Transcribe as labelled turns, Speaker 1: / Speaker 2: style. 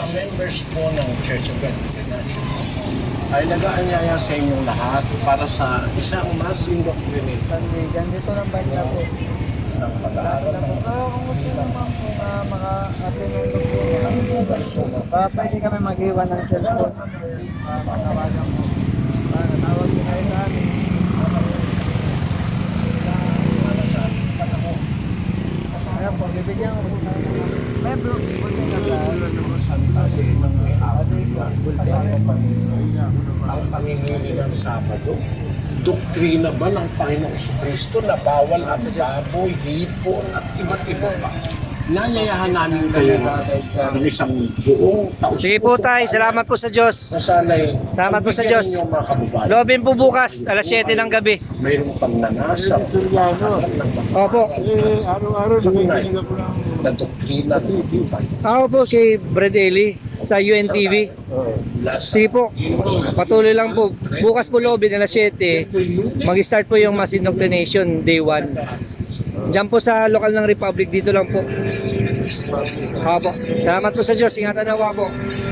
Speaker 1: members po ng Church of God International ay nag-aanyaya sa inyong lahat para sa isang mas indoctrinated
Speaker 2: Ganito ng bansa po.
Speaker 1: ng pag-aaral ng
Speaker 2: Kung gusto naman po maka-attend ng doktor, pwede kami mag-iwan ng cellphone. Matawagan po. Tawag ko kayo sa amin. Ayan po, bibigyan ko po ng may blog po din
Speaker 1: kasi mga ang pangingili ng Sabado. Doktrina ba ng Panginoong Kristo na bawal ang baboy, hipon at iba't iba pa? Nanyayahan namin kayo ng isang buong taos.
Speaker 3: Sige po tayo, salamat po sa Diyos.
Speaker 1: Nasanay,
Speaker 3: Salamat po sa
Speaker 1: pagbigyan
Speaker 3: Diyos.
Speaker 1: ninyo ang mga kababayan.
Speaker 3: Loobin po bukas, alas 7 ng gabi.
Speaker 1: Mayroong pagnanasa.
Speaker 3: Opo.
Speaker 2: Araw-araw nakikinig ako ng
Speaker 1: Na doktrina ng Bibay.
Speaker 3: Ako po kay Brad Eli sa UNTV. Sige po, patuloy lang po. Bukas po loobin, alas 7. Mag-start po yung mass indoctrination, day 1. Diyan po sa lokal ng Republic, dito lang po. Opo. Salamat po sa Diyos. Ingatan na po.